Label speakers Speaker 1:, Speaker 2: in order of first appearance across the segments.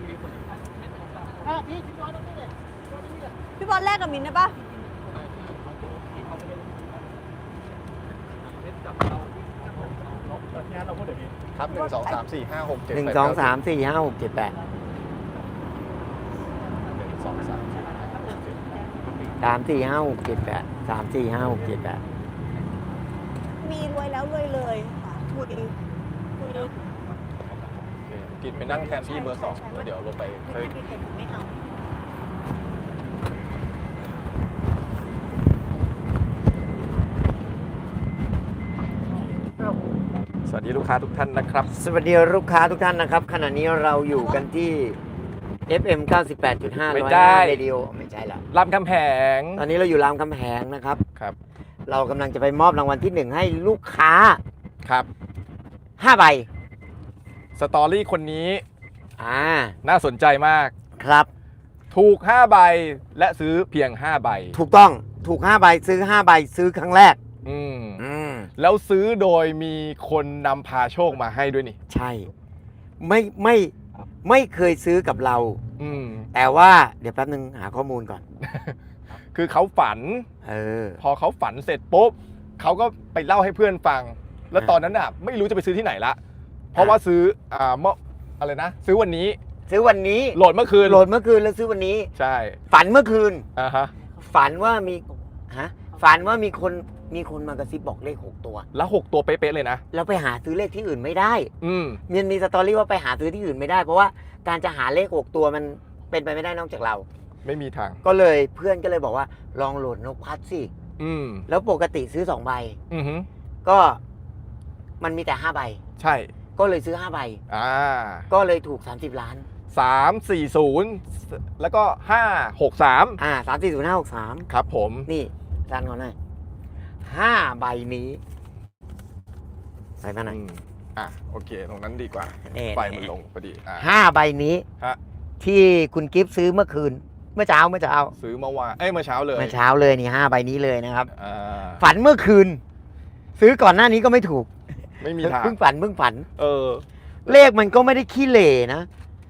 Speaker 1: พี่บอลแลกกับมินได้ปะ
Speaker 2: ครับ1 2 3 4 5 6 7
Speaker 3: 1 2 3 4 5 6 7 8 3 4 5 6 7 8 3 4 5 6 7 8
Speaker 1: มีรวยแล้วรวยเลยค่ะคุย
Speaker 2: กินไปนั่งแทนที่เบอร์ 2แล้วเดี๋ยวลงไป
Speaker 1: ไม่ได้ไม่เอา
Speaker 2: สวัสดีลูกค้าทุกท่านนะครับ
Speaker 3: สวัสดีลูกค้าทุกท่านนะครับขณะนี้เราอยู่กันที่ FM 98.5
Speaker 2: ไม่ได้
Speaker 3: เรดิโอไม่ใช่ละ
Speaker 2: รามคำแหง
Speaker 3: ตอนนี้เราอยู่รามคำแหงนะครับ
Speaker 2: ครับ
Speaker 3: เรากำลังจะไปมอบรางวัลที่ 1 ให้ลูกค้า
Speaker 2: ครับ
Speaker 3: 5 ใบ
Speaker 2: สตอรี่คนนี้ น่าสนใจมาก
Speaker 3: ครับ
Speaker 2: ถูก5ใบและซื้อเพียง5ใบ
Speaker 3: ถูกต้องถูก5 ใบซื้อ5 ใบซื้อครั้งแรก
Speaker 2: อืม
Speaker 3: แล้ว
Speaker 2: ซื้อโดยมีคนนำพาโชคมาให้ด้วยนี่
Speaker 3: ใช่ไม่เคยซื้อกับเรา
Speaker 2: อืม
Speaker 3: แต่ว่าเดี๋ยวแป๊บนึงหาข้อมูลก่อน
Speaker 2: คือเขาฝัน พอเขาฝันเสร็จปุ๊บเขาก็ไปเล่าให้เพื่อนฟัง แล้วตอนนั้นอ่ะไม่รู้จะไปซื้อที่ไหนละเพราะว่าซื้ออะไรนะซื้อวันนี้
Speaker 3: ซื้อวันนี้
Speaker 2: โหลดเมื่อคืน
Speaker 3: โหลดเมื่อคืนแล้วซื้อวันนี้
Speaker 2: ใช่
Speaker 3: ฝันเมื่อคืน
Speaker 2: ฮะ
Speaker 3: ฝันว่ามีคนมากระซิบบอกเลข6 ตัว
Speaker 2: แล้ว6ตัวเป๊ะๆเลยนะ
Speaker 3: แล้วไปหาซื้อเลขที่อื่นไม่ได้
Speaker 2: อืม
Speaker 3: มันมีสตอรี่ว่าไปหาซื้อที่อื่นไม่ได้ เพราะว่าการจะหาเลข6 ตัวมันเป็นไปไม่ได้นอกจากเรา
Speaker 2: ไม่มีทาง
Speaker 3: ก็เลยเพื่อนก็เลยบอกว่าลองโหลดนกพัดสิ
Speaker 2: อืม
Speaker 3: แล้วปกติซื้อ2 ใบ
Speaker 2: อือฮึ
Speaker 3: ก็มันมีแต่5 ใบ
Speaker 2: ใช่
Speaker 3: ก็เลยซื้อ5 ใบ ก็เลยถูก30 ล้าน
Speaker 2: 340แล้วก็563
Speaker 3: 340-563
Speaker 2: ครับผม
Speaker 3: นี่จานก่อนหน่อย5 ใบนี้ใส่มาหน่อย
Speaker 2: โอเคตรงนั้นดีกว่า
Speaker 3: นี่
Speaker 2: ไฟมันลงพอดี
Speaker 3: 5 ใบนี้
Speaker 2: ฮะ
Speaker 3: ที่คุณกิฟต์ซื้อเมื่อคืน เมื่อเช้า
Speaker 2: ซื้อเมื่อวานเมื่อเช้าเลย
Speaker 3: เมื่อเช้าเลยนี่5 ใบนี้เลยนะครับ
Speaker 2: อ่า
Speaker 3: ฝันเมื่อคืน ซื้อก่อนหน้านี้ก็ไม่ถูก
Speaker 2: ไม่มีทาง
Speaker 3: เพิ่งฝัน เลขมันก็ไม่ได้ขี้เหร่นะ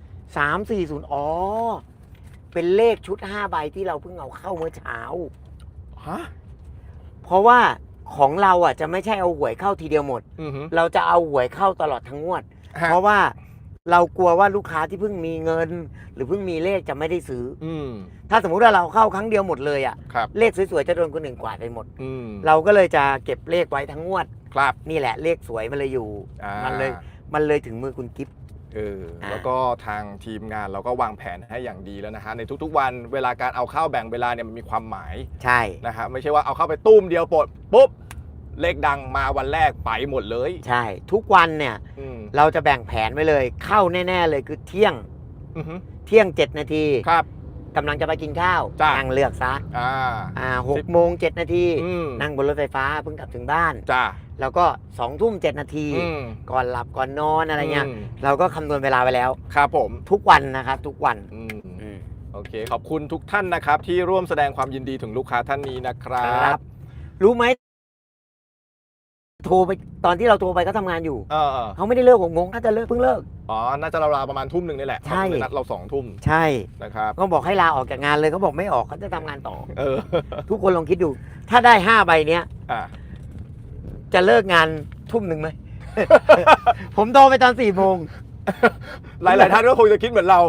Speaker 3: 340อ๋อเป็นเลขชุด5 ใบที่เราเพิ่งเอาเข้าเมื่อเช้า
Speaker 2: ฮะ
Speaker 3: เพราะว่าของเราอ่ะจะไม่ใช่เอาหวยเข้าทีเดียวหมด
Speaker 2: อือฮึ
Speaker 3: เราจะเอาหวยเข้าตลอดทั้งงวด
Speaker 2: ฮะ
Speaker 3: เพราะว่าเรากลัวว่าลูกค้าที่เพิ่งมีเงิน หรือเพิ่งมีเลขจะไม่ได้ซื้อ
Speaker 2: อืม
Speaker 3: ถ้าสมมุติว่าเราเข้าครั้งเดียวหมดเลยอ่ะ
Speaker 2: ครับ
Speaker 3: เลขสวยๆจะโดนคนอื่นกวาดไปหมด
Speaker 2: อืม
Speaker 3: เราก็เลยจะเก็บเลขไว้ทั้งงวด
Speaker 2: ครับ
Speaker 3: นี่แหละเลขสวยมันเลยอยู่ มันเลยถึงมือคุณกิฟต์
Speaker 2: แล้วก็ทางทีมงานเราก็วางแผนให้อย่างดีแล้วนะฮะในทุกๆวันเวลาการเอาเข้าแบ่งเวลาเนี่ยมันมีความหมาย
Speaker 3: ใช่
Speaker 2: นะฮะไม่ใช่ว่าเอาเข้าไปตุ้มเดียวปลดปุ๊บเลขดังมาวันแรกไปหมดเลย
Speaker 3: ใช่ ทุกวันเนี่ย
Speaker 2: อืม
Speaker 3: เราจะแบ่งแผนไว้เลย เข้าแน่ๆเลยคือเที่ยง
Speaker 2: อือฮึ
Speaker 3: 7 นาที
Speaker 2: ครับ
Speaker 3: กำลังจะไปกินข้าว
Speaker 2: จ้ะ
Speaker 3: นั่งเลือกซะ 6 โมง 7 นาที
Speaker 2: อืม
Speaker 3: นั่งบนรถไฟฟ้าเพิ่งกลับถึงบ้าน
Speaker 2: จ้า
Speaker 3: แล้วก็2 ทุ่ม 7 นาที ก่อนหลับก่อนนอนอะไรเงี้ย เราก็คำนวณเวลาไปแล้ว
Speaker 2: ครับผม
Speaker 3: ทุกวันนะครับ ทุกวัน
Speaker 2: โอเคขอบคุณทุกท่านนะครับที่ร่วมแสดงความยินดีถึงลูกค้าท่านนี้นะครับ
Speaker 3: รู้ไหมโทรไปตอนที่เราโทรไปก็ทำงานอยู่ เขาไม่ได้เลิก6 โมงน่าจะเพิ่งเลิก
Speaker 2: น่าจะราวๆประมาณทุ่มหนึ่งนี่แหละ
Speaker 3: ใช่
Speaker 2: เขานัดเรา2 ทุ่ม
Speaker 3: ใช่
Speaker 2: นะครับ
Speaker 3: ก็บอกให้ลาออกจากงานเลยเขาบอกไม่ออกเขาจะทำงานต่อ
Speaker 2: ทุ
Speaker 3: ทุกคนลองคิดดู ถ้าได้5 ใบเนี้ย
Speaker 2: อ่า
Speaker 3: จะเลิกงานทุ่มหนึ่งไหม ผมโทรไปตอน4 โมง
Speaker 2: หลายๆท่านก็คงจะคิดเหมือนเรา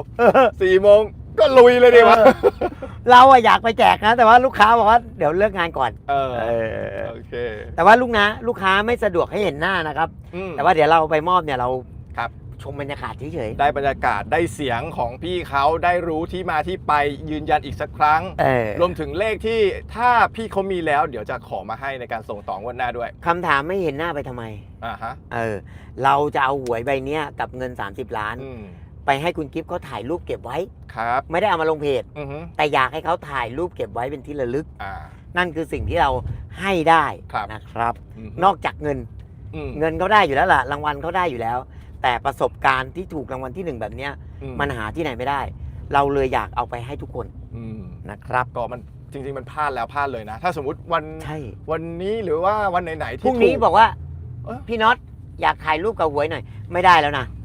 Speaker 2: 4 โมงก็ลุยเลยดีวะ
Speaker 3: เราอะอยากไปแจกนะ แต่ว่าลูกค้าบอกว่าเดี๋ยวเลิกงานก่อน
Speaker 2: โอเค
Speaker 3: แต่ว่าลูกค้าไม่สะดวกให้เห็นหน้านะครับ แต่ว่าเดี๋ยวเราไปมอบเนี่ยเรา
Speaker 2: ครับ
Speaker 3: ชมบรรยากาศเฉย
Speaker 2: ได้บรรยากาศได้เสียงของพี่เขาได้รู้ที่มาที่ไปยืนยันอีกสักครั้ง
Speaker 3: ๆ
Speaker 2: รวมถึงเลขที่ถ้าพี่เขามีแล้วเดี๋ยวจะขอมาให้ในการส่งต่องวดหน้าด้วย
Speaker 3: คำถามไม่เห็นหน้าไปทำไม
Speaker 2: ฮะ
Speaker 3: เราจะเอาหวยใบเนี้ยกับเงิน30 ล้าน ไปให้คุณกิฟต์เขาถ่ายรูปเก็บไว้
Speaker 2: ครับ
Speaker 3: ไม่ได้เอามาลงเพจ
Speaker 2: อือฮึ
Speaker 3: แต่อยากให้เขาถ่ายรูปเก็บไว้เป็นที่ระลึก
Speaker 2: อ่า
Speaker 3: นั่นคือสิ่งที่เราให้ได้
Speaker 2: ครับ
Speaker 3: นะครับ
Speaker 2: อืม
Speaker 3: นอกจากเงิน เงินเขาได้อยู่แล้วล่ะรางวัลเขาได้อยู่แล้ว แต่ประสบการณ์ที่ถูกรางวัลที่ 1 แบบเนี้ยมันหาที่ไหนไม่ได้ เราเลยอยากเอาไปให้ทุกคนนะครับ
Speaker 2: ก็มันจริงๆมันพลาดแล้วพลาดเลยนะ ถ้าสมมติวัน
Speaker 3: ใช่
Speaker 2: วันนี้หรือว่าวันไหนๆ
Speaker 3: พ
Speaker 2: ที่
Speaker 3: รุ่งนี้
Speaker 2: ถู
Speaker 3: บอกว่า
Speaker 2: เอ้ย
Speaker 3: พี่น็อตอยากถ่ายรูปกับหวยหน่อย ไม่ได้แล้วนะ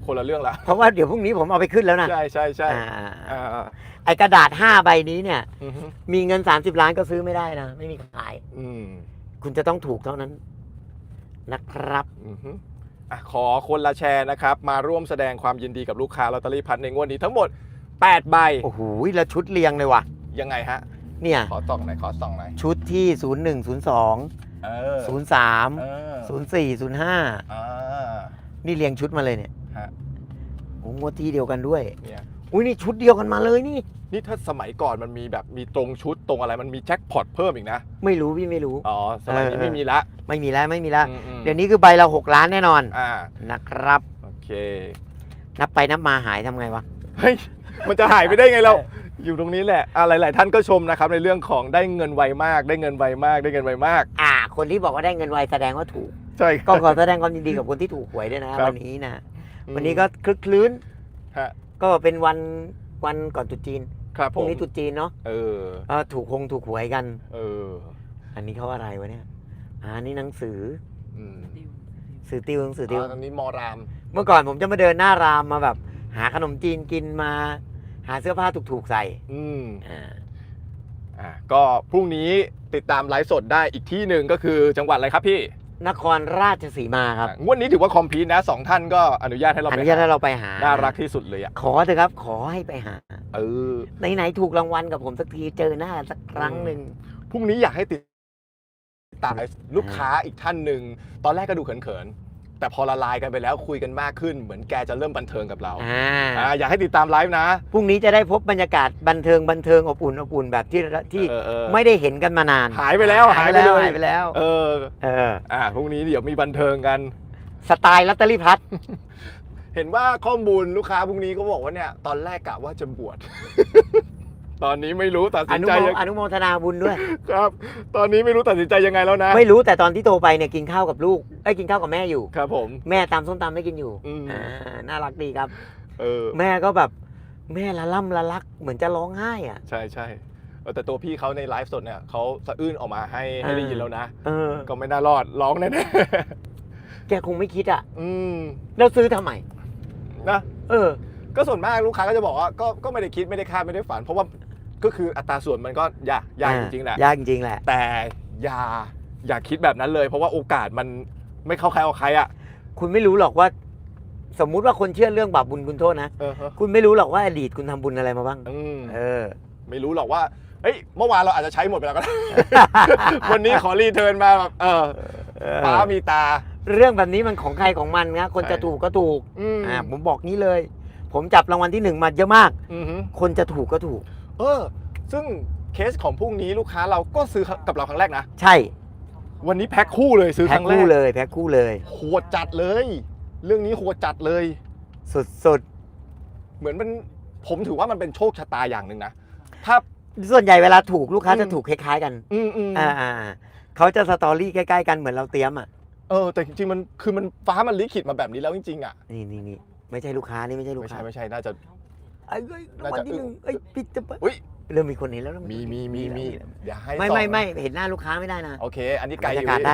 Speaker 2: คนละเรื่องละ
Speaker 3: เพราะว่าเดี๋ยวพรุ่งนี้ผมเอาไปขึ้นแล้วนะ
Speaker 2: ใช่ใช่ใช่
Speaker 3: อ่าไอกระดาษ5ใบนี้เนี่ย
Speaker 2: อือฮึ
Speaker 3: มีเงิน30 ล้านก็ซื้อไม่ได้นะ ไม่มีขาย
Speaker 2: อืม
Speaker 3: คุณจะต้องถูกเท่านั้นนะครับ
Speaker 2: อือฮึอ่ะขอคนละแชร์นะครับ มาร่วมแสดงความยินดีกับลูกค้าลอตเตอรี่พัดในงวดนี้ทั้งหมด 8 ใบ
Speaker 3: โอ้โหแล้วชุดเรียงเลยว่ะ
Speaker 2: ยังไงฮะ
Speaker 3: เนี่ย
Speaker 2: ขอส่องหน่อยขอส่องหน่อย
Speaker 3: ชุดที่ 01 02
Speaker 2: เออ
Speaker 3: 03
Speaker 2: เออ
Speaker 3: 04 05
Speaker 2: อ่า
Speaker 3: นี่เรียงชุดมาเลยเนี่ย
Speaker 2: ฮะ
Speaker 3: โอ้งวดที่เดียวกันด้วย
Speaker 2: เนี่ย
Speaker 3: อุ้ยนี่ชุดเดียวกันมาเลยนี่
Speaker 2: นี่ถ้าสมัยก่อนมันมีแบบมีตรงชุดตรงอะไรมันมีแจ็คพอตเพิ่มอีกนะ
Speaker 3: ไม่รู้พี่ไม่รู้
Speaker 2: อ๋อ สมัยนี้ไม่มีละ
Speaker 3: ไม่มีแล้วไม่มีแล้ว
Speaker 2: อืม
Speaker 3: เดี๋ยวนี้คือใบละ6 ล้านแน่นอน
Speaker 2: อ่า
Speaker 3: นะครับ
Speaker 2: โอเค
Speaker 3: นับไปนับมาหายทำไงวะ
Speaker 2: เฮ้ย มันจะหายไปได้ไงเรา อยู่ตรงนี้แหละหลาย ๆ ท่านก็ชมนะครับในเรื่องของได้เงินไวมาก ได้เงินไวมาก ได้เงินไวมาก
Speaker 3: คนที่บอกว่าได้เงินไวแสดงว่าถูก
Speaker 2: ใช่
Speaker 3: ก็ขอแสดงความยินดีกับคนที่ถูกหวยด้วยนะครับ วันนี้นะ วันนี้ก็คลึกคลื้น
Speaker 2: ฮะ
Speaker 3: ก็เป็นวันก่อนตรุษจีน
Speaker 2: ครับ
Speaker 3: พ
Speaker 2: ผ
Speaker 3: รุ่ง
Speaker 2: ม
Speaker 3: นี้ตรุษจีนเนาะ
Speaker 2: เออ
Speaker 3: ถูกหวยกัน
Speaker 2: เออ
Speaker 3: อันนี้เขาอะไรวะเนี่ยนี่หนังสือ
Speaker 2: อืม
Speaker 3: สื่อติวหนังสือติว
Speaker 2: ตอนนี้มอราม
Speaker 3: เมื่อก่อนผมจะมาเดินหน้ารามมาแบบ หาขนมจีนกินมา หาเสื้อผ้าถูกๆใส่
Speaker 2: อืม
Speaker 3: อ่า
Speaker 2: ก็พรุ่งนี้ติดตามไลฟ์สดได้อีกที่หนึ่งก็คือจังหวัดอะไรครับพี่
Speaker 3: นครราชสีมาครับ
Speaker 2: งวดนี้ถือว่าคอมพลีทนะ2 ท่านก็อนุญาตให้เรา
Speaker 3: อ
Speaker 2: ไป
Speaker 3: นุญาตให้เราไปหา
Speaker 2: น่ารักที่สุดเลยอ่ะ
Speaker 3: ขอเถอะครับ ขอให้ไปหา
Speaker 2: เออ
Speaker 3: ไหนๆถูกรางวัลกับผมสักทีเจอหน้าสักครั้งหนึ่ง
Speaker 2: พรุ่งนี้อยากให้ติดตามลูกค้าอีกท่านหนึ่งตอนแรกก็ดูเขินๆแต่พอละลายกันไปแล้วคุยกันมากขึ้น เหมือนแกจะเริ่มบันเทิงกับเราอยากให้ติดตามไลฟ์นะ
Speaker 3: พรุ่งนี้จะได้พบบรรยากาศบันเทิงอบอุ่นแบบที่
Speaker 2: เออ
Speaker 3: ไม่ได้เห็นกันมานาน
Speaker 2: หายไปแล้วหายไปเลย
Speaker 3: หายไปแล้ว
Speaker 2: เออ พรุ่งนี้เดี๋ยวมีบันเทิงกัน
Speaker 3: สไตล์ลอตเตอรี่พลัส
Speaker 2: เห็นว่าข้อมูลลูกค้าพรุ่งนี้ก็บอกว่าเนี่ยตอนแรกกะว่าจะบวช ตอนนี้ไม่รู้ตัดสินใจยัง
Speaker 3: อนุโมทนาบุญด้วย
Speaker 2: ครับ ตอนนี้ไม่รู้ตัดสินใจยังไงแล้วนะ
Speaker 3: ไม่รู้แต่ตอนที่โทรไปเนี่ยกินข้าวกับลูกกินข้าวกับแม่อยู่
Speaker 2: ครับผม
Speaker 3: แม่ตำส้มตำไม่กินอยู่ น่ารักดีครับ แม่ก็แบบแม่ละล่ำละลักเหมือนจะร้องไห้อ่ะ
Speaker 2: ใช่ใช่แต่ตัวพี่เขาในไลฟ์สดเนี่ยเขาสะอื้นออกมาให้ได้ยินแล้วนะ ก็ไม่น่ารอดร้องแน่
Speaker 3: แกคงไม่คิดอ่ะ
Speaker 2: ๆ
Speaker 3: แล้วซื้อทำไม
Speaker 2: นะ ก็ส่วนมากลูกค้าก็จะบอกว่าก็ไม่ได้คิดไม่ได้คาดไม่ได้ฝัน เพราะว่าก็คืออัตราส่วนมันก็ยากจริงๆแหละ
Speaker 3: ยากจริงๆแหละ
Speaker 2: แต่อย่าคิดแบบนั้นเลย เพราะว่าโอกาสมันไม่เข้าใครออกใครอ่ะ
Speaker 3: คุณไม่รู้หรอกว่า สมมุติว่าคนเชื่อเรื่องบาปบุญคุณโทษนะคุณไม่รู้หรอกว่าอดีตคุณทำบุญอะไรมาบ้าง
Speaker 2: ไม่รู้หรอกว่าเฮ้ยเมื่อวานเราอาจจะใช้หมดไปแล้วก็ได้ วันนี้ขอรีเทิร์นมาแบบป้ามีตา
Speaker 3: เรื่องแบบนี้มันของใครของมันนะคนจะถูกก็ถูกผมบอกนี้เลย ผมจับรางวัลที่1มาเยอะมากคนจะถูกก็ถูก
Speaker 2: ซึ่งเคสของพรุ่งนี้ลูกค้าเราก็ซื้อกับเราครั้งแรกนะ
Speaker 3: ใช่
Speaker 2: วันนี้แพ็คคู่เลยซื้อครั้งแรก
Speaker 3: แพ็คคู่เลย
Speaker 2: โหดจัดเลย เรื่องนี้โหดจัดเลย
Speaker 3: สุด
Speaker 2: เหมือนมันผมถือว่ามันเป็นโชคชะตาอย่างหนึ่งนะถ้า
Speaker 3: ส่วนใหญ่เวลาถูกลูกค้าจะถูกคล้ายๆกันเขาจะสตอรี่ใกล้ๆกันเหมือนเราเตรียมอ่ะ
Speaker 2: แต่จริงๆมันคือมันฟ้ามันลิขิตมาแบบนี้แล้วจริงๆอ่ะ
Speaker 3: นี่ไม่ใช่ลูกค้านี่ไม่ใช่ลูกค้า
Speaker 2: ไม่ใช่น่าจะ
Speaker 3: รางวัลที่1พี่จะเริ่มมีคนเห็นแล้ว
Speaker 2: มีอย่าให้
Speaker 3: ไม่เห็นหน้าลูกค้าไม่ได้นะ
Speaker 2: โอเคอันนี้ไกลอยู่
Speaker 3: ได้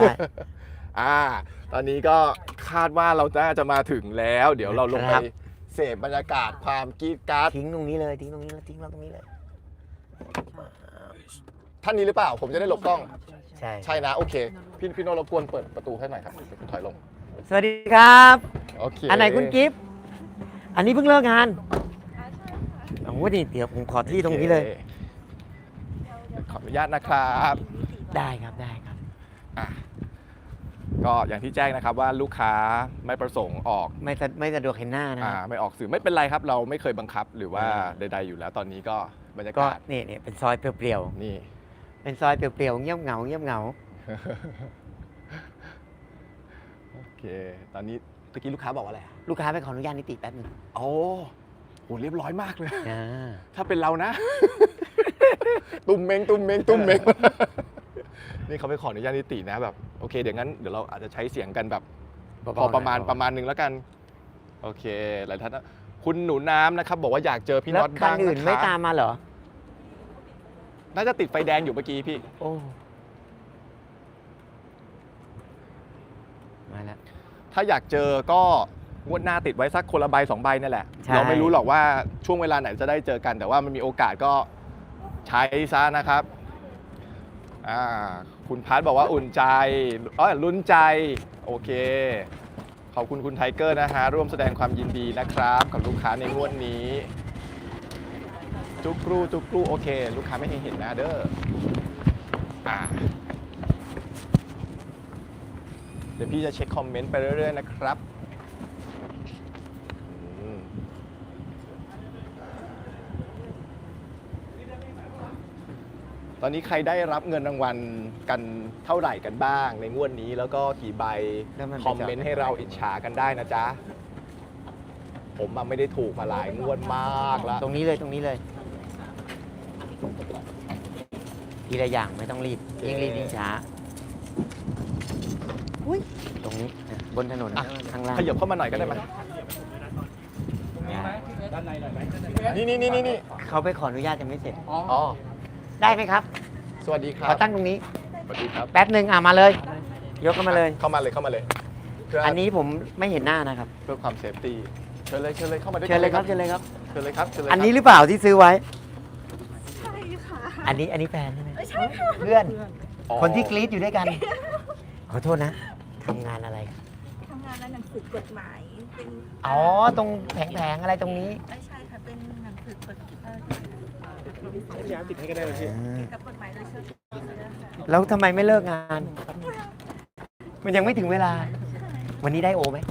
Speaker 2: ตอนนี้ก็คาดว่าเราจะมาถึงแล้วเดี๋ยวเราลงไปเสพบรรยากาศความกรี๊ดกราด
Speaker 3: ทิ้งตรงนี้เลยทิ้งเราตรงนี้เลย
Speaker 2: ท่านนี้หรือเปล่าผมจะได้หลบกล้อง
Speaker 3: ใช่
Speaker 2: นะโอเคพี่โนรบกวนเปิดประตูให้หน่อยครับคุณถอยลง
Speaker 3: สวัสดีครับ
Speaker 2: โอเค
Speaker 3: อันไหนคุณกิฟต์อันนี้เพิ่งเลิกงานโอ้โหนี่เดี๋ยวผมขอที่ตรงนี้เลย
Speaker 2: ขออนุญาตนะครับ
Speaker 3: ได้ครับ
Speaker 2: ก็อย่างที่แจ้งนะครับว่าลูกค้าไม่ประสงค์ออก
Speaker 3: ไม่สะดวกเห็นหน้านะ
Speaker 2: ไม่ออกสื่อไม่เป็นไรครับเราไม่เคยบังคับหรือว่าใดๆอยู่แล้วตอนนี้ก็บรรยากาศ
Speaker 3: นี่เป็นซอยเปลี่ยว
Speaker 2: ๆนี่
Speaker 3: เป็นซอยเปลี่ยวๆเงียบเหงา
Speaker 2: โอเคตอนนี้ตะกี้ลูกค้าบอกว่าอะไร
Speaker 3: ลูกค้าไปขออนุญาตนิติแป๊บนึง
Speaker 2: โอ้โหเรียบร้อยมากเลยถ้าเป็นเรานะ ตุ้มเม้งนี่เขาไปขออนุญาตนิตินะแบบโอเคเดี๋ยวเราอาจจะใช้เสียงกันแบบพอประมาณนึงแล้วกันโอเคหลายท่านคุณหนูน้ำนะครับบอกว่าอยากเจอพี่น็อตบ้าง
Speaker 3: อื่นไม่ตามมาเหรอ
Speaker 2: น่าจะติดไฟแดงอยู่เมื่อกี้พี่
Speaker 3: มาแล้ว
Speaker 2: ถ้าอยากเจอก็งวดหน้าติดไว้สักคนละใบ2 ใบนี่แหละ
Speaker 3: ใช่
Speaker 2: เราไม่รู้หรอกว่าช่วงเวลาไหนจะได้เจอกัน แต่ว่ามันมีโอกาสก็ใช้ซะนะครับคุณพัทบอกว่าอุ่นใจลุ้นใจโอเคขอบคุณคุณไทเกอร์นะฮะร่วมแสดงความยินดีนะครับกับลูกค้าในงวดนี้จุกรูโอเค ลูกค้าไม่เห็นนะเด้อเดี๋ยวพี่จะเช็คคอมเมนต์ไปเรื่อยๆนะครับตอนนี้ใครได้รับเงินรางวัลกันเท่าไหร่กันบ้างในงวดนี้แล้วก็กี่ใบคอมเมนต์ให้เราอิจฉากันได้นะจ๊ะผมไม่ได้ถูกมาหลายงวดมากแล้ว
Speaker 3: ตรงนี้เลยทีละอย่างไม่ต้องรีบยิ่งรีบยิ่งช้า
Speaker 1: อุ้ย
Speaker 3: ตรงนี้บนถนนข้างล่าง
Speaker 2: ขยับเข้ามาหน่อยก็ได้ไหมนี่
Speaker 3: เขาไปขออนุญาตยังไม่เสร็จ
Speaker 2: อ๋อ
Speaker 3: ได้ไหมครับ
Speaker 2: สวัสดีครั
Speaker 3: ข
Speaker 2: บ
Speaker 3: อตั้งตรงนี้
Speaker 2: สวัสดีครับ
Speaker 3: แป๊บหนึ่งมาเลย ยกเข้ามาเลย
Speaker 2: เข้ามาเลยเพื่
Speaker 3: อันนี้ผมไม่เห็นหน้านะครับ
Speaker 2: เพื่อความเซฟตี้เชิญเลยเข้ามาด้วย
Speaker 3: เชิญเลยครับ
Speaker 2: เชิญเลยครับ
Speaker 3: อันนี้หรือเปล่าที่ซื้อไว้
Speaker 1: ใช่ค่ะ
Speaker 3: อันนี้แฟนใช่ไหม
Speaker 1: ไม่ใช่ค่ะ
Speaker 3: เพื่อน
Speaker 2: อ๋อ
Speaker 3: คนที่กรี๊ดอยู่ด้วยกัน ขอโทษนะทำงานอะไร
Speaker 1: ทำงานร้านหนังสือกฎหมายเป็น
Speaker 3: อ๋อ ตรงแผงๆอะไรตรงนี้
Speaker 1: ไม่ใช่ค่ะเป็นหนังสือกฎ
Speaker 2: ติดให้ก็ได้เลยพี่
Speaker 1: กับกฎหมายโดยเฉพาะ
Speaker 3: แล้วทำไมไม่เลิกงาน มันยังไม่ถึงเวลา วันนี้ได้โอไหม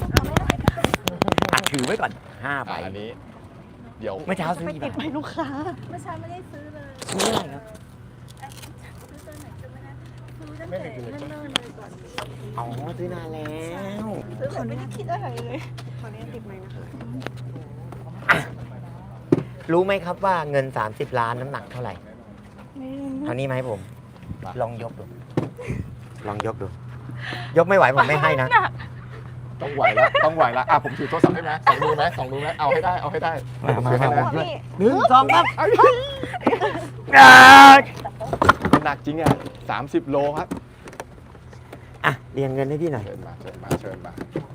Speaker 3: ถือไว้ก่อน5 ใบ
Speaker 2: อันนี้ เดี๋ยว
Speaker 3: เมื่อเช้าซื้อ
Speaker 1: ไป
Speaker 3: กี่
Speaker 1: ติด
Speaker 3: บาท
Speaker 1: ไปลูกค้าเมื่อเช้าไม่ได้ซื้อเลย
Speaker 3: ซื้อเท่าไหร่ครับ
Speaker 1: ซื้อตัวไหนจะไม่ได้ซื้อตั้งแต่เนิ่นๆเลยก่อน
Speaker 3: อ๋อ ซื้อนานแล้ว
Speaker 1: ซื้อคนไม่ได้คิดอะไรเลยขอนี้ติดไหมนะคะ
Speaker 3: รู้ไหมครับว่าเงิน 30 ล้านน้ำหนักเท่าไหร่
Speaker 1: ไม่รู้
Speaker 3: เท่านี้ไหมผม ลองยกดู ยกไม่ไหวผมไม่ให้นะ
Speaker 2: ต้องไหวละผมถือโทรศัพท์ได้ไหมสองมือไหมเอาให้ได้
Speaker 3: มา
Speaker 2: ถือให้ได้
Speaker 1: นี่
Speaker 3: 1 2ครับ
Speaker 2: หนักจริงอ่ะ30 โลครับ
Speaker 3: อ่ะเรียงเงินให้พี่หน่อย
Speaker 2: เชิญมา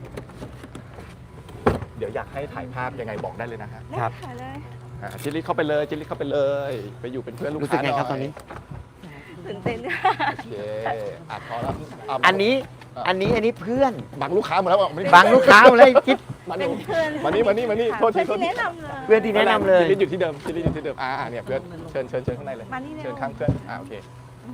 Speaker 2: เดี๋ยวอยากให้ถ่ายภาพยังไงบอกได้เลยนะฮะ
Speaker 3: ครับ
Speaker 1: ได้ค่ะเลย
Speaker 2: จิลลี่เข้าไปเลยไปอยู่เป็นเพื่อนลูก
Speaker 3: รู้สึก
Speaker 2: ค้า
Speaker 3: ไงครับ
Speaker 2: ห
Speaker 3: ตอนนี้
Speaker 1: ตื่นเต้น
Speaker 2: โอเคพอแล้ว
Speaker 3: อันนี้เพื่อน
Speaker 2: บังลูกค้าหมดแล้วไม่
Speaker 3: บางลูกค้าเลยคิด
Speaker 2: มา
Speaker 1: เป็นเพื่อน
Speaker 2: มานี่โทษที
Speaker 1: เพื่อนที่แนะนำเลย
Speaker 3: เพื่อนที่แนะนำเลย
Speaker 2: จิลลี่อยู่ที่เดิมเนี่ยเพื่อนเชิญข้างในเลย
Speaker 1: มานี่เร็ว
Speaker 2: เชิญข้างเพื่อนโอเค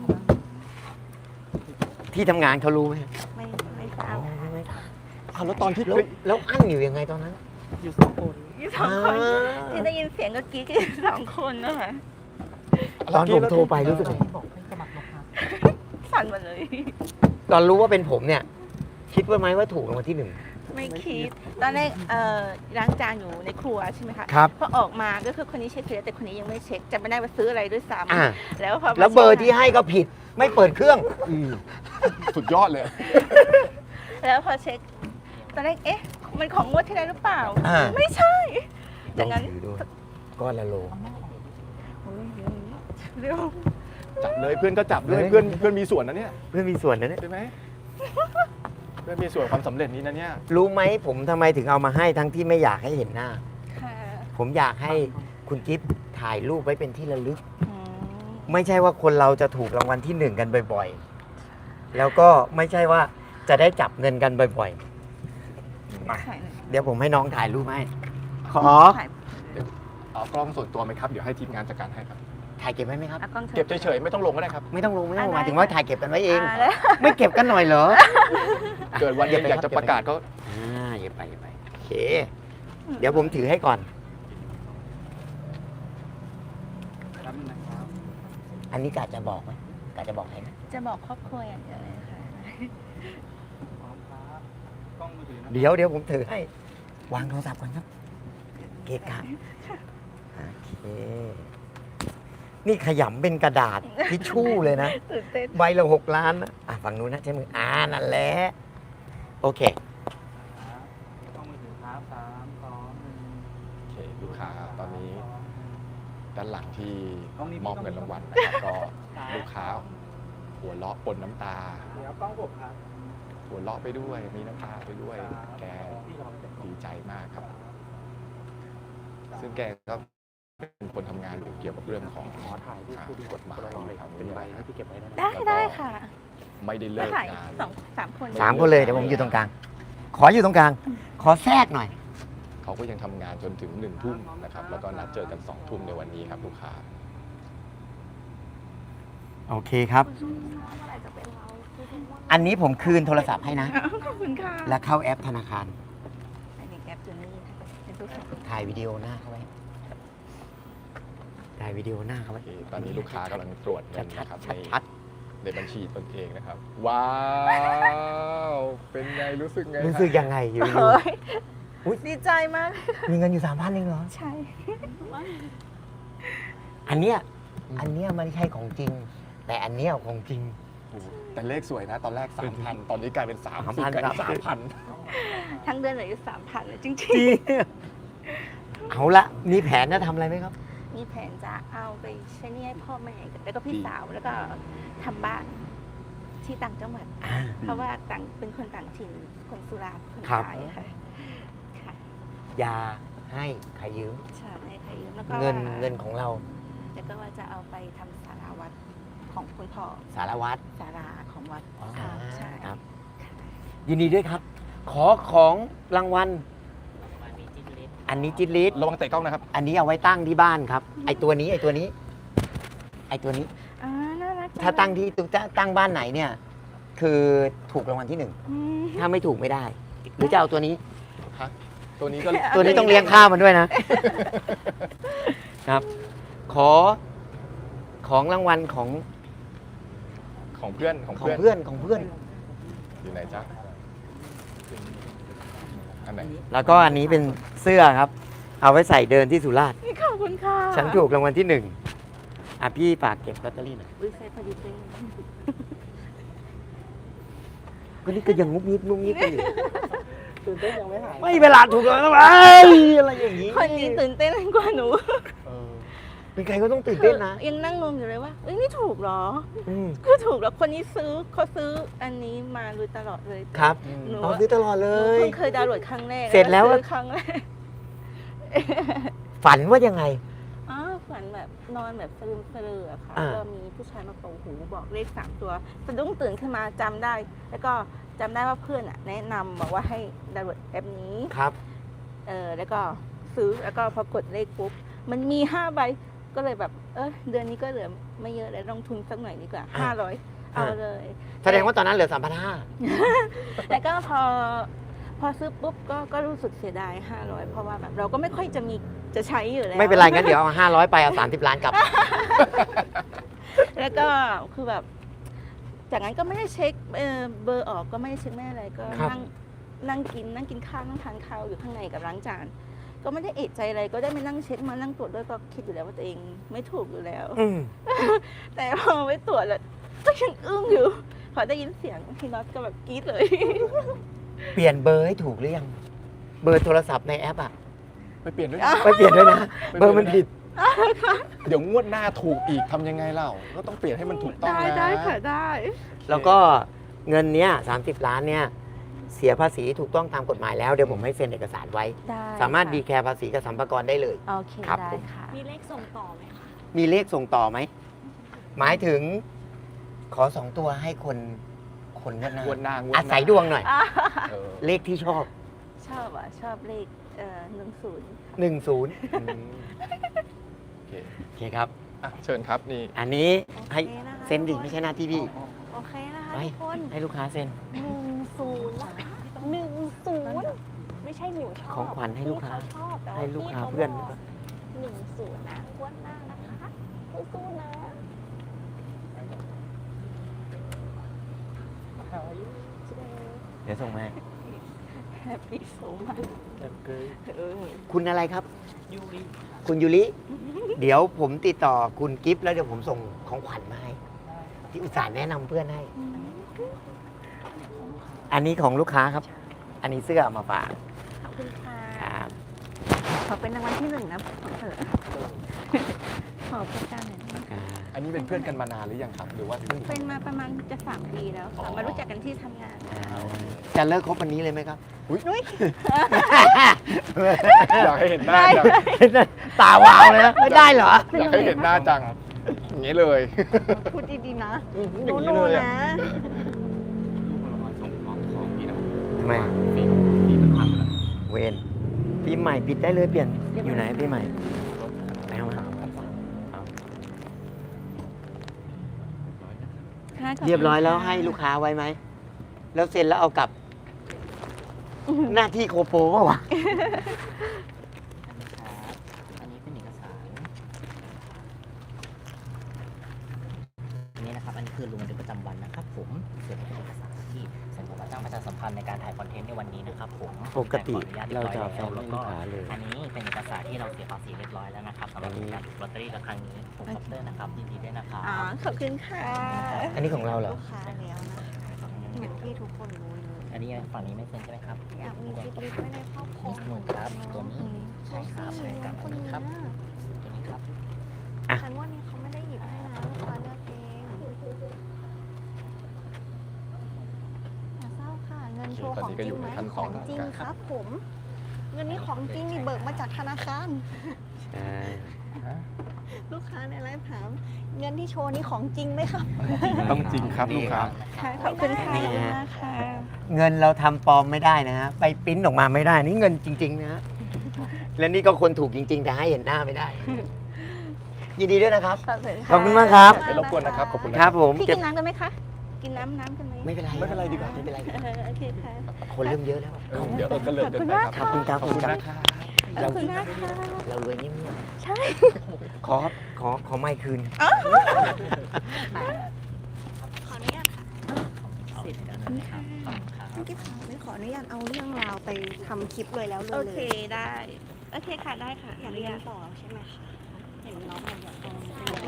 Speaker 3: ที่ทำงานเขารู้ไหม
Speaker 1: ไม่ทราบ
Speaker 2: แล้วตอนที่
Speaker 3: แล้วอั้นอยู่ยังไงตอนนั้น
Speaker 1: อยู่สองคนที่ได้ยินเสียงก็กรี๊ดกันสองคนนะคะ
Speaker 3: ตอนผมโทรไปรู้สึกไง
Speaker 1: สั่นหมดเลย
Speaker 3: ตอนรู้ว่าเป็นผมเนี่ย คิดว่าไหมว่าถูกรางวัลที่
Speaker 1: ไม่คิด ตอนแรกล้างจานอยู่ในครัวใช่ไหมคะ
Speaker 3: ครับ
Speaker 1: พอออกมาก็คือคนนี้เช็คเสร็จแล้วแต่คนนี้ยังไม่เช็คจำไม่ได้ว่าซื้ออะไรด้วยซ้
Speaker 3: อ่า
Speaker 1: ำแล้วพอมา
Speaker 3: แล้วเบอร์ที่ให้ก็ผิด ไม่เปิดเครื่อง
Speaker 2: สุดยอดเลย
Speaker 1: แล้วพอเช็ค ตอนแรกเอ๊ะ มันของงวดที่แล้วหรือเปล่า
Speaker 3: อ่า
Speaker 1: ไม่ใช่ดังนั้น
Speaker 3: ถือดูก้อนละโล
Speaker 1: โอ้ยเร็ว
Speaker 2: จับเลยเพื่อนก็จับด้วยเพื่อนมีส่วนนะเนี่ย
Speaker 3: เพื่อนมีส่วนนะเนี่ย
Speaker 2: ใช่ไหมเพื่อนมีส่วนความสำเร็จนี้นะเนี่ย
Speaker 3: รู้ไหมผมทำไมถึงเอามาให้ทั้งที่ไม่อยากให้เห็นหน้า
Speaker 1: ค่ะ
Speaker 3: ผมอยากให้คุณกิฟต์ถ่ายรูปไว้เป็นที่ระลึก
Speaker 1: อืม
Speaker 3: ไม่ใช่ว่าคนเราจะถูกรางวัลที่ 1 กันบ่อยๆ แล้วก็ไม่ใช่ว่าจะได้จับเงินกันบ่อยๆ มา
Speaker 1: ถ่ายหน่อย
Speaker 3: เดี๋ยวผมให้น้องถ่ายรูปให้ ขอ
Speaker 1: ถ่าย
Speaker 2: เอากล้องส่วนตัวไหมครับเดี๋ยวให้ทีมงานจัดการให้ครับ
Speaker 3: ถ่ายเก็บไว้ไหมครับ
Speaker 1: เอากล้อง
Speaker 2: เก็บเฉยๆไม่ต้องลงก็ได้ครับ
Speaker 3: ไม่ต้องลงห
Speaker 1: ได้
Speaker 3: มายถึงว่าถ่ายเก็บกันไว้เอง
Speaker 1: แล้ว
Speaker 3: ไม่เก็บกันหน่อยเหรอ
Speaker 2: เกิดวันหนึ่งอยากจะประกาศก็
Speaker 3: อย่าไปโอเค เดี๋ยวผมถือให้ก่อน อันนี้กะจะบอกไหมกะจะบอกใครนะ
Speaker 1: จะบอกครอบครัวอย่างเดียวเลยค่ะ
Speaker 3: เดี๋ยวผมถือให้ วางโทรศัพท์ก่อนครับ เกะกะโอเค นี่ขยำเป็นกระดาษทิชชู่เลยนะ
Speaker 1: ตื่นเต้น
Speaker 3: ใบละ6 ล้านนะฝั่งนู้นนะใช้มือนั่นแหละ โอเค
Speaker 2: โอเคลูกค้าตอนนี้ด้านหลังที่มอบเงินรางวัลนะครับก็ลูกค้าหัวเราะปนน้ำตาหัวเราะไปด้วยมีน้ำตาไปด้วยแกดีใจมากครับ ซึ่งแกก็เป็นคนทำงานอยู่เกี่ยวกับเรื่องของกฎหมายครับเป็นไรให้พี่เก็บไว้
Speaker 1: ได้ค่ะ
Speaker 2: ไม่ได้เลิ
Speaker 1: มาก ถ่าย
Speaker 2: งาน
Speaker 1: 3 คน
Speaker 3: 3 คนเลยเดี๋ยวผมอยู่ตรงกลาง ขออยู่ตรงกลาง ขอแทรกหน่อย
Speaker 2: เขาก็ยังทำงานจนถึง1 ทุ่มนะครับแล้วก็นัดเจอกัน2 ทุ่มในวันนี้ครับลูกค้า
Speaker 3: โอเคครับ อันนี้ผมคืนโทรศัพท์ให้นะ
Speaker 1: ขอบคุณค่ะ
Speaker 3: แล้วเข้าแอปธนาคาร
Speaker 1: อันนี้แอปตัวนี้เป็นตัวสำ
Speaker 3: ถ่ายวิดีโอหน้าเขาไว้ ถ่ายวิดีโอหน้าเขา
Speaker 2: โอ
Speaker 3: ไว้
Speaker 2: เคตอนนี้ลูกค้ากำลังตรวจเงินนะครับใน
Speaker 3: ชัด
Speaker 2: ในบัญชีตนเองนะครับ ว้าว เป็นไงรู้สึกไง
Speaker 3: ๆรู้สึกยังไงอยู่
Speaker 1: โอ้ย
Speaker 3: อุ๊ย
Speaker 1: ดีใจมาก
Speaker 3: ๆมีเงินอยู่ 3,000เองเหรอ
Speaker 1: ใช่
Speaker 3: อันเนี้ยไม่ใช่ของจริง แต่อันเนี้ยของจริง
Speaker 2: โอ้โหแต่เลขสวยนะ ตอนแรก 3,000 ตอนนี้กลายเป็น 3,000
Speaker 3: 3,000
Speaker 2: กลายเป็น
Speaker 3: ครับ
Speaker 2: 3,000
Speaker 1: ทั้งเดือนเหลืออยู่3,000เลยจริง
Speaker 3: เอาละมีแผนจะทำอะไรไหมครับ
Speaker 1: ๆ มีแผนจะเอาไปใช้หนี้ให้พ่อแม่แล้วก็พี่
Speaker 2: ดี
Speaker 1: สาวแล้วก็ทำบ้านที่ต่างจังหวัด เพราะว่าเป็นคนต่างถิ่นคนสุราษฎร์คน
Speaker 3: ครับ
Speaker 1: ไทยค่ะค่ะ
Speaker 3: อย่าให้ใครยืม
Speaker 1: ใช่ค่ะแล้วก็
Speaker 3: เงินของเรา
Speaker 1: แล้วก็ว่าจะเอาไปทำศาลาวัดของคุณพ่อ
Speaker 3: สารวัตร
Speaker 1: ศาลาของวัด
Speaker 3: อ๋อ
Speaker 1: ค่ะใช่
Speaker 3: ครับ ยินดีด้วยครับ ขอของรางวัล อันนี้จิตลิศ
Speaker 2: ระวังเตะกล้องนะครับ
Speaker 3: อันนี้เอาไว้ตั้งที่บ้านครับ ไอตัวนี้
Speaker 1: อ่าน่ารัก
Speaker 3: ถ้าตั้งที่ตั้งบ้านไหนเนี่ย คือถูกรางวัลที่
Speaker 1: อืม
Speaker 3: 1 ถ้าไม่ถูกไม่ได้ หรือจะเอาตัวนี้
Speaker 2: ตัวนี้ก็
Speaker 3: ตัวนี้ต้องเลี้ยงข้าวมันด้วยนะ ครับ ขอของรางวัลของ
Speaker 2: ของเพื่อน
Speaker 3: ของเพื่อน
Speaker 2: อยู่ไหนจ๊ะอันไหน
Speaker 3: แล้วก็อันนี้เป็นเสื้อครับ เอาไว้ใส่เดินที่สุราษฎร์
Speaker 1: ขอบคุณค่ะ
Speaker 3: ฉันถูกรางวัลที่ 1อ่ะพี่ฝากเก็บลอตเตอรี่หน่อย
Speaker 1: อุ้ยใส่พอดีเป๊ะ
Speaker 3: ก็นี่ก็ยังงุบงิบกันอยู่
Speaker 1: ตื่นเต้นยังไม่หาย
Speaker 3: ไม่เวลาถูกรางวัลอะไรอย่างนี้
Speaker 1: คนนี้ตื่นเต้นกว่าหนู
Speaker 3: เป็นใครก็ต้องตื่นเต้นนะ
Speaker 1: ยังนั่งงงอยู่เลยว่าเอ้ยนี่ถูกเหรอ
Speaker 3: อืม
Speaker 1: ก็ถูกแล้วคนนี้เขาซื้ออันนี้มาโดยตลอดเลย
Speaker 3: ครับ
Speaker 1: หนู
Speaker 3: เอาซื้อตลอดเล
Speaker 1: หนู
Speaker 3: ย
Speaker 1: เพิ่งเคยดาวน์โหลดครั้งแรก
Speaker 3: เสร็จแล้ว
Speaker 1: ซื้อครั้งแรก
Speaker 3: ฝันว่ายังไง
Speaker 1: อ๋อฝันแบบนอนแบบสลืมสลืออะค่ะ
Speaker 3: อ่า
Speaker 1: ก็มีผู้ชายมาเป่าหูบอกเลข3 ตัวสะดุ้งตื่นขึ้นมาจำได้ แล้วก็จำได้ว่าเพื่อนอะแนะนำบอกว่าให้ดาวน์โหลดแอปนี้
Speaker 3: ครับ
Speaker 1: แล้วก็ซื้อแล้วก็พอกดเลขปุ๊บมันมี5 ใบก็เลยแบบเดือนนี้ก็เหลือไม่เยอะแล้วลงทุนสักหน่อยดีกว่า
Speaker 3: อ่า
Speaker 1: 500เอาเลย
Speaker 3: แสดงว่าตอนนั้นเหลือ 3,500
Speaker 1: แล้วก็พอซื้อปุ๊บก็รู้สึกเสียดาย500เพราะว่าแบบเราก็ไม่ค่อยจะใช้อยู่แล้ว
Speaker 3: ไม่เป็นไรงั้นเดี๋ยวเอา500 ไปเอา30 ล้านกลับ
Speaker 1: แล้วก็คือแบบ จากนั้นก็ไม่ได้เช็คเบอร์ออกก็ไม่ได้เช็คไม่อะไรก็
Speaker 3: ครับ
Speaker 1: นั่งกินข้าวนั่งทานข้าวอยู่ข้างในกับล้างจาน ก็ไม่ได้เอะใจอะไรก็ได้ไม่นั่งเช็คมานั่งตรวจด้วยก็คิดอยู่แล้วว่าตัวเองไม่ถูกอยู่แล้ว
Speaker 3: อืม
Speaker 1: แต่พอไปตรวจแล้วก็ยังอึ้งอยู่ พอได้ยินเสียงพี่น็อตก็แบบกรี๊ดเลย
Speaker 3: เปลี่ยนเบอร์ให้ถูกหรือยัง เบอร์โทรศัพท์ในแอปอ่ะ
Speaker 2: ไปเปลี่ยนด้วย
Speaker 3: ไปเปลี่ยนด้วยนะ เบอร์มันผิด
Speaker 2: เดี๋ยวงวดหน้าถูกอีกทำยังไงเล่าก็ต้องเปลี่ยนให้มันถูกต้องนะ
Speaker 1: ได้ค่ะได้
Speaker 3: แล้วก็เงินเนี้ย30 ล้านเนี่ย เสียภาษีถูกต้องตามกฎหมายแล้ว เดี๋ยวผมให้เซ็นเอกสารไว้
Speaker 1: ได้
Speaker 3: สามารถ
Speaker 1: ค่ะ
Speaker 3: ดีแคร์ภาษีกับสัมภากระได้เลย
Speaker 1: โอเค
Speaker 3: ครับ
Speaker 1: ได้
Speaker 3: ผม
Speaker 1: ค่ะ
Speaker 4: มีเลขส่งต่อไหมคะ
Speaker 3: มีเลขส่งต่อไหม หมายถึงขอ 2 ตัวให้คนงวดหน้าง
Speaker 2: วดหน้างวดหน้า
Speaker 3: อาศัยดวงหน่อย
Speaker 2: เออ
Speaker 3: เลขที่ชอบ
Speaker 1: ชอบเลข10
Speaker 3: 10
Speaker 2: อืมโอเค
Speaker 3: โอเคครับ
Speaker 2: อ่ะเชิญครับนี่
Speaker 3: อันนี้ให้
Speaker 4: โอเคนะคะ
Speaker 3: เซ็นดิไม่ใช่หน้าที่พี่
Speaker 4: โอเคนะคะ
Speaker 3: ไป
Speaker 4: ทุกคน
Speaker 3: ให้ลูกค้าเซ็น
Speaker 4: 10นะคะ10ไม่ใช่หนูชอบ
Speaker 3: ของขวัญให้ลูกค้า
Speaker 4: พี่เขชอบแต่ว่
Speaker 3: ให้ลูกค้า
Speaker 4: พี่ข
Speaker 3: เพื่อน
Speaker 4: บก10นะงวดหน้านะคะสู้ๆนะ
Speaker 3: เดี๋ยวส่งมา
Speaker 1: แฮปปี้โซมากเออ
Speaker 3: คุณอะไรครับ คุณยูริ เดี๋ยวผมติดต่อคุณกิฟต์แล้วเดี๋ยวผมส่งของขวัญมาให้ ที่อุตส่าห์แนะนำเพื่อนให้ อันนี้ของลูกค้าครับ อันนี้เสื้อเอามาฝาก
Speaker 1: ขอบคุณค่ะ
Speaker 3: ครับ
Speaker 1: ขอเป็นรางวัลที่1นะขอเถอะขอประกันหน่อยนะ
Speaker 3: อ่า
Speaker 2: อันนี้เป็นเพื่อนกันมานานหรือยังครับหรือว่าเพิ่ง
Speaker 1: เป็นมาประมาณจะ3 ปีแล้วค่ะมารู้จักกันที่ทำงาน
Speaker 3: จะเลิกคบวันนี้เลยไหมครับ
Speaker 2: อยากให้เห็นหน้าจัง
Speaker 3: ตาวาวเลยนะไม่ได้เหรอ
Speaker 2: อยากให้เห็นหน้าจังอย่างนี้เลย
Speaker 4: พูดดีๆนะ
Speaker 2: อย่างนี้
Speaker 4: โน่
Speaker 2: เลย
Speaker 4: ๆ
Speaker 2: อะ
Speaker 4: นะ
Speaker 3: ทำไมเวนปีใหม่ปิดได้เลยเปลี่ยนอยู่ไหนปีใหม่ไปเอามา เรียบร้อยแล้วให้ลูกค้าไว้ไหม แล้วเซ็นแล้วเอากลับ หน้าที่โคโปว่าวะ
Speaker 5: อันนี้เป็นเอกสารอันนี้นะครับ อันนี้คือลงบันทึกประจำวันนะครับผมส่วนนี้เป็นเอกสารที่สำหรับจ้างประชาสัมพันธ์ในการถ่ายคอนเทนต์ในวันนี้นะครับผม
Speaker 3: ปกติ
Speaker 5: ขออนุญาต
Speaker 3: เราจะ
Speaker 5: เรียบร้อย
Speaker 3: เอา
Speaker 5: แล้ว
Speaker 3: ให้ลูกค้าเลย
Speaker 5: อันนี้เป็นเอกสารที่เราเสียภาษีเรียบร้อยแล้วนะครับสำหรับการถูกลอตเตอรี่กับครั้งนี้ผมคอปเตอร์นะครับยินดีด้วยนะครับ
Speaker 1: อ๋อขอบคุณค่ะ
Speaker 3: อันนี้ของเราเหรอ
Speaker 4: ลูกค้าแล้วนะเหมือนที่ทุกคนรู้เลย
Speaker 5: อันนี้ฝั่งนี้ไม่เซ็นใช่ไหมครับ
Speaker 4: อยากมีซิกลิสต์ไว้ในครอบครอง
Speaker 5: นี่หนึ่งครับตัวนี้ใช่ครับใช่ครับ
Speaker 4: ค
Speaker 5: อัน
Speaker 4: น
Speaker 5: นี้
Speaker 4: นี้
Speaker 5: ครับตัวนี้ครับ
Speaker 4: ฉันว่านี่เขาไม่ได้หยิบให้นะลูกค้าเลือกเองอย่าเศร้าค่ะ เงินโชว์ของจริงไหมของจริงครับผม เงินนี้ของจริงนี่เบิกมาจากธนาคาร
Speaker 3: ใช่
Speaker 4: ลูกค้าในไลฟ์ถามเงินที่โชว์นี่ของจริงไหมครับ
Speaker 2: ต้องจริงครับลูกค้า
Speaker 1: ค่ะขอบคุณค่ะ
Speaker 3: นี่ฮะ
Speaker 1: นะคะ
Speaker 3: เงินเราทำปลอมไม่ได้นะฮะ ไปปริ้นออกมาไม่ได้ นี่เงินจริง ๆ นะฮะ และนี่ก็คนถูกจริง ๆ แต่ให้เห็นหน้าไม่ได้ ยินดีด้วยนะครับ ขอบคุณมากครับ
Speaker 2: ไม่รบกวนนะครับ ขอบคุณ
Speaker 3: ค
Speaker 2: นะ
Speaker 3: รับผม
Speaker 1: พี่
Speaker 3: เก็
Speaker 1: กิ
Speaker 3: บ
Speaker 1: นน้ำกันไหมคะ กินน้ำกันไหม
Speaker 3: ไม่เป็นไร
Speaker 2: ไม่เป็นไรดีกว่า
Speaker 3: ไม่เป็นไร
Speaker 1: โอเคค่ะ
Speaker 3: คนเริ่มเยอะแล้ว
Speaker 2: เดี๋ยวก็เลิกเดินไปครับ
Speaker 3: ขอบคุณครับ
Speaker 2: ขอบคุณนะครับ
Speaker 1: ขอบคุณมากค่ะ
Speaker 3: เรารวยเงียบ
Speaker 1: ใช่
Speaker 3: ๆขอไมค์คืน
Speaker 4: ขออนุญาตค่ะ
Speaker 5: เอาเสร็จแล้วนะครับขอบคุณครับ
Speaker 4: พี่กิ๊ฟค่ะไม่ขออนุญาตเอาเรื่องราวไปทำคลิปเลยแล้วเลย
Speaker 1: โอเคได้ โอเคค่ะได้ค่ะ
Speaker 4: อยาก
Speaker 1: อ
Speaker 4: เรี
Speaker 1: นุ
Speaker 4: ย
Speaker 1: ญาน ต
Speaker 4: ต่อใช่ไหมคะเห็นน้องบอกอยากต่อ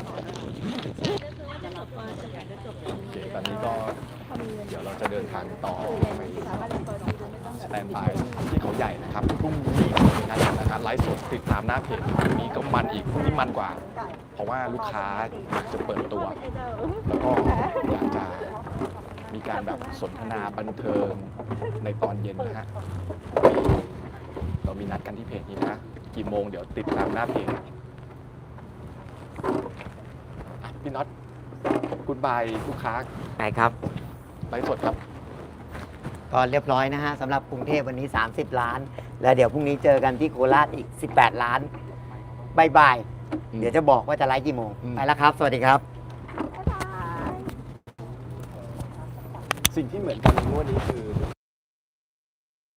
Speaker 2: โอเคตอนนี้ก็เดี๋ยวเราจะเดินทางต่อไปสแตนด์บายที่เขาใหญ่นะครับพรุ่งนี้มีนัดนะครับไลฟ์สดติดตามหน้าเพจพรุ่งนี้ก็มันอีกพรุ่งนี้มันกว่า เพราะว่าลูกค้าอยากจะเปิดตัว แล้วก็อยากจะมีการแบบสนทนาบันเทิงในตอนเย็นนะฮะเรามีนัดกันที่เพจนี้นะกี่โมงเดี๋ยวติดตามหน้าเพจอ่ะพี่น็อตกูดบายลูกค้า
Speaker 3: ไปครับ
Speaker 2: ไลฟ์สดครับ
Speaker 3: ก็เรียบร้อยนะฮะสำหรับกรุงเทพวันนี้ 30 ล้าน แล้วเดี๋ยวพรุ่งนี้เจอกันที่โคราชอีก 18 ล้านบายบาย เดี๋ยวจะบอกว่าจะไลฟ์กี่โมง ไปแล้วครับ สวัสดีครับ
Speaker 2: สิ่งที่เหมือนกันในงวดนี้คือ